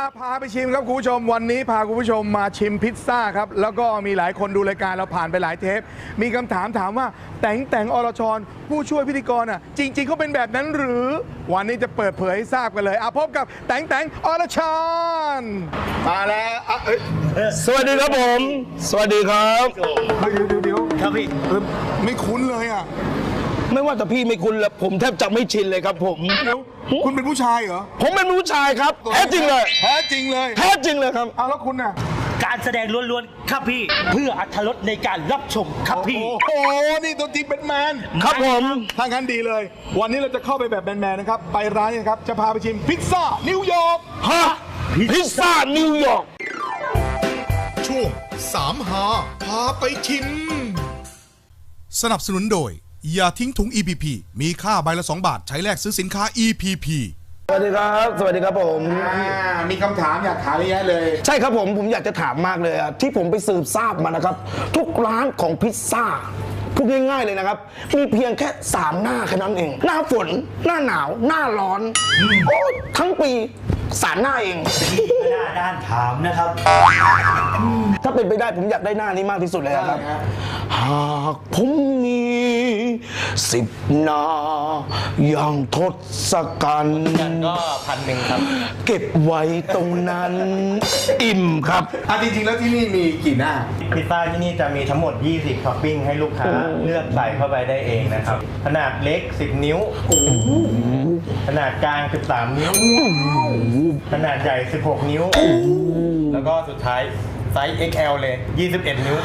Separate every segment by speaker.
Speaker 1: พาไปชิมครับคุณผู้ชมวันนี้พาคุณผู้ชมมาชิมพิซซ่าครับแล้วก็มีหลายคนดูรายการเราผ่านไปหลายเทปมีคำถามว่าแต่งอรชรผู้ช่วยพิธีกรจริงๆเขาเป็นแบบนั้นหรือวันนี้จะเปิดเผยให้ทราบกันเลยพบกับแต่งอรชรมาแล้ว
Speaker 2: สวัสดีครับผมสวัสดีครับ
Speaker 1: เดี๋ยว
Speaker 2: ครับพี่
Speaker 1: ไม่คุ้นเลย
Speaker 2: ไม่ว่าแต่พี่ไม่คุ้นแล้วผมแทบจะไม่ชินเลยครับผม
Speaker 1: เดี๋ยวคุณเป็นผู้ชายเหรอ
Speaker 2: ผมเป็นผู้ชายครับแท้จริงเลย
Speaker 1: แท้จริงเลย
Speaker 2: ครับ
Speaker 1: แล้วคุณน่ะ
Speaker 3: การแสดงล้วนๆครับพี่เพื่ออรรถรสในการรับชมครับพี่
Speaker 1: โอ้นี่ตัวจริงเป็นแมน
Speaker 2: ครับผม
Speaker 1: ทางนั้นดีเลยวันนี้เราจะเข้าไปแบบแมนๆนะครับไปร้านนี้ครับจะพาไปชิมพิซซ่านิวยอร์ก
Speaker 2: พิซซ่านิวยอร์ก
Speaker 4: ช่วง3หาพาไปชิมสนับสนุนโดยอย่าทิ้งถุง EPP มีค่าใบละ2 บาทใช้แลกซื้อสินค้า EPP
Speaker 2: สวัสดีครับผม
Speaker 1: มีคำถามอยากถามเยอะเลย
Speaker 2: ใช่ครับผมอยากจะถามมากเลยที่ผมไปสืบทราบมานะครับทุกร้านของพิซซ่าพูดง่ายๆเลยนะครับมีเพียงแค่3หน้าแค่นั้นเองหน้าฝนหน้าหนาวหน้าร้อนโอ้ทั้งปี3หน้าเอง
Speaker 3: หน้าด้านถามนะครับ
Speaker 2: ถ้าเป็นไปได้ผมอยากได้หน้านี้มากที่สุดเลยครับหากผมมี10 หน้าอย่างทศกัณฐ์
Speaker 3: ก็1,000ครับ
Speaker 2: เก็บไว้ตรงนั้นอิ่มครับ
Speaker 1: จริงๆแล้วที่นี่มีกี่หน้า
Speaker 5: พิซซ่าที่นี่จะมีทั้งหมด20ท็อปปิ้งให้ลูกค้าเลือกใส่เข้าไปได้เองนะครับขนาดเล็ก10 นิ้วขนาดกลาง13 นิ้วขนาดใหญ่16 นิ้วแล้วก็สุดท้ายไซส์ XL เลย21 นิ้ว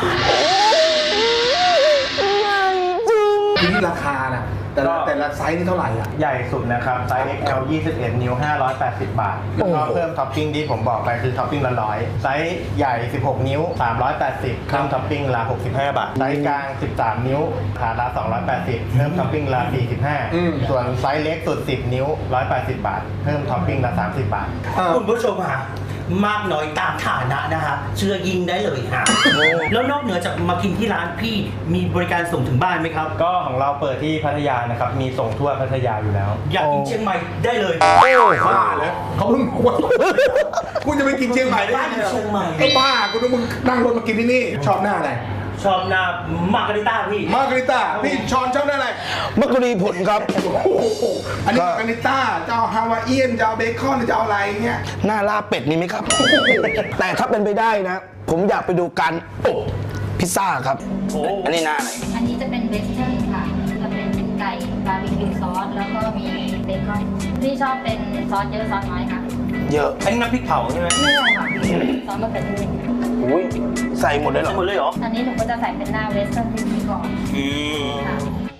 Speaker 1: ที่นี่ราคานะแต่ละไซส์นี่เท่าไหร่
Speaker 5: ใหญ่สุดนะครับไซส์ XL 21 นิ้ว580 บาทแล้วก็เพิ่มท็อปปิ้งที่ผมบอกไปคือท็อปปิ้งละ100ไซส์ใหญ่16 นิ้ว380เพิ่มท็อปปิ้งละ65 บาทไซส์กลาง13 นิ้วขาละ280เพิ่มท็อปปิ้งละ45ส่วนไซส์เล็กสุด10 นิ้ว180 บาทเพิ่มท็อปปิ้งละ30 บาท
Speaker 3: คุณผู้ชมมากน้อยตามฐานะนะฮะเชื่อยิงได้เลยฮะแล้วนอกเหนือจากมากินที่ร้านพี่มีบริการส่งถึงบ้านไหมครับ
Speaker 5: ก็ของเราเปิดที่พัทยานะครับมีส่งทั่วพัทยาอยู่แล้ว
Speaker 3: อยากกินเชียงใหม่ได้เลย
Speaker 1: บ้าเลยเขาเพิ่งคุณจะไปกินเชียงใหม่ได้
Speaker 3: ไงเชียงใหม่
Speaker 1: บ้าคุณต้องมึงนั่งรถมากินที่นี่ชอบหน้าอะไร
Speaker 3: ชอบหน้ามาร์การิต้า
Speaker 1: พี่ชอนชอบหน้าอะไร
Speaker 2: มักกะรีผลครับ
Speaker 1: อันนี้มาร์การิต้าจะเอาฮาวายเอียนจะเอาเบคอนจะเอาอะไรเงี้ย
Speaker 2: หน้าลาบเป็ดนี่ไหมครับแต่ถ้าเป็นไปได้นะผมอยากไปดูการอบพิซซ่าครับอันนี้หน้าไหน
Speaker 6: อันนี้จะเป็นเวสเทิร์นค่ะจะเป็นไก่บาร์บีคิวซอสแล้วก็มีเบคอนพี่ชอบเป็นซอสเยอะซอสน้อยค่ะ
Speaker 2: เยอะ
Speaker 3: อันนี้น้ำพริกเผาใช่ไหม
Speaker 6: ไม่ใช่ค่ะซอสมะเขือเทศ
Speaker 2: อุ้ยใส่หมดเลยเหรอ
Speaker 3: ใส่หมดเลยเหรอ
Speaker 6: อันนี้หนูก็จะใส่เป็นหน้าเวสเทิร์นที่ก่อนค่ะ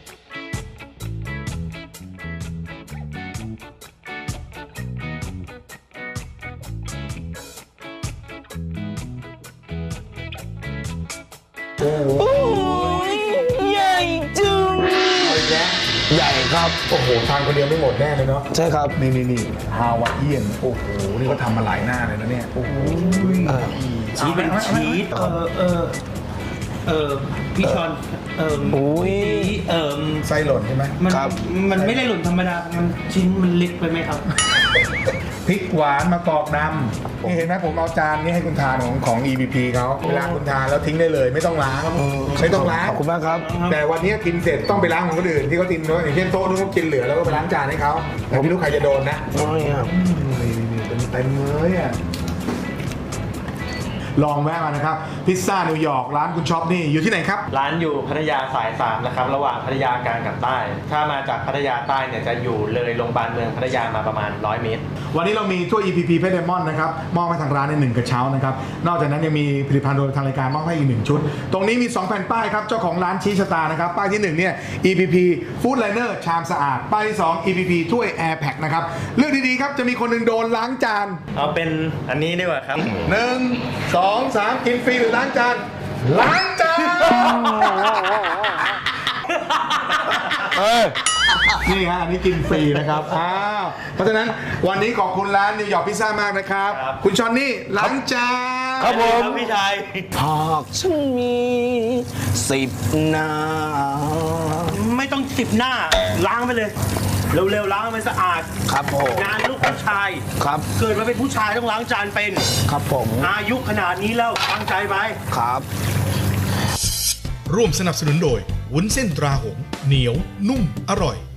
Speaker 2: โอ้ยใหญ่จึงใหญ่ครับ
Speaker 1: โอ้โหทานคนเดียวไม่หมดแน่เลยเนาะ
Speaker 2: ใช่ครับ
Speaker 1: นี่ฮาวายเอียนโอ้โหนี่เขาทำมาหลายหน้าเลยนะเนี่ยโอ้โห
Speaker 3: ชีสเป็นชีสพี่ชอน
Speaker 1: ไส้หล่นใช่ไหม
Speaker 3: มันไม่ได้หล่นธรรมดามันชิ้นมันเล็กไปไหมครับ
Speaker 1: พริกหวานมะกอกดำนี่เห็นไหมผมเอาจานนี้ให้คุณทานของ EVP เขาเวลาคุณทานแล้วทิ้งได้เลยไม่ต้องล้างไม่ต้องล้าง
Speaker 2: ขอบคุณมากครับ
Speaker 1: แต่วันนี้กินเสร็จต้องไปล้างของคนอื่นที่เขากินเนาะอย่างเช่นโต๊ะนู้นเขากินเหลือแล้วก็ไปล้างจานให้เขาแต่ไม่รู้ใครจะโดนนะนี่เต็มเลยลองแวะมานะครับพิซซ่านิวยอร์กร้านคุณช็อปนี่อยู่ที่ไหนครับ
Speaker 5: ร้านอยู่พัทยาสาย3นะครับระหว่างพัทยากลางกับใต้ถ้ามาจากพัทยาใต้เนี่ยจะอยู่เลยโรงพยาบาลเมืองพัทยามาประมาณ100 เมตร
Speaker 1: วันนี้เรามีถ้วย EPP เพชรไดมอนด์นะครับมอบให้ทางร้านใน1กระเช้านะครับนอกจากนั้นยังมีผลิตภัณฑ์โดยทางรายการมอบให้อีก1ชุดตรงนี้มี2แผ่นป้ายครับเจ้าของร้านชี้ชะตานะครับป้ายที่1เนี่ย EPP Food Liner ชามสะอาดป้ายที่2 EPP ถ้วย Air Pack นะครับเลือกดีๆครับจะมีคนหนึ่งโดนล้างจาน
Speaker 5: เอาเป็นอันนี้ดีกว่าครับ
Speaker 1: 1 2 3กินฟรีหรือล้างจานนี่ฮะอันนี้กินฟรีนะครับเพราะฉะนั้นวันนี้ขอบคุณร้านนิวยอร์กพิซซ่ามากนะครับคุณชอนนี่ล้างจาน
Speaker 2: ครับผม
Speaker 3: พี่ชาย
Speaker 2: หากฉันมี10 หน้า
Speaker 3: ไม่ต้อง10 หน้าล้างไปเลยเร็วๆล้างให้มันสะอาด
Speaker 2: ครับผม
Speaker 3: งานลูกผู้ชาย
Speaker 2: ครับ
Speaker 3: เกิดมาเป็นผู้ชายต้องล้างจานเป็น
Speaker 2: ครับผม
Speaker 3: อายุขนาดนี้แล้วตั้งใจไป
Speaker 2: ครับ
Speaker 4: ร่วมสนับสนุนโดยวุ้นเส้นตราหงส์เหนียวนุ่มอร่อย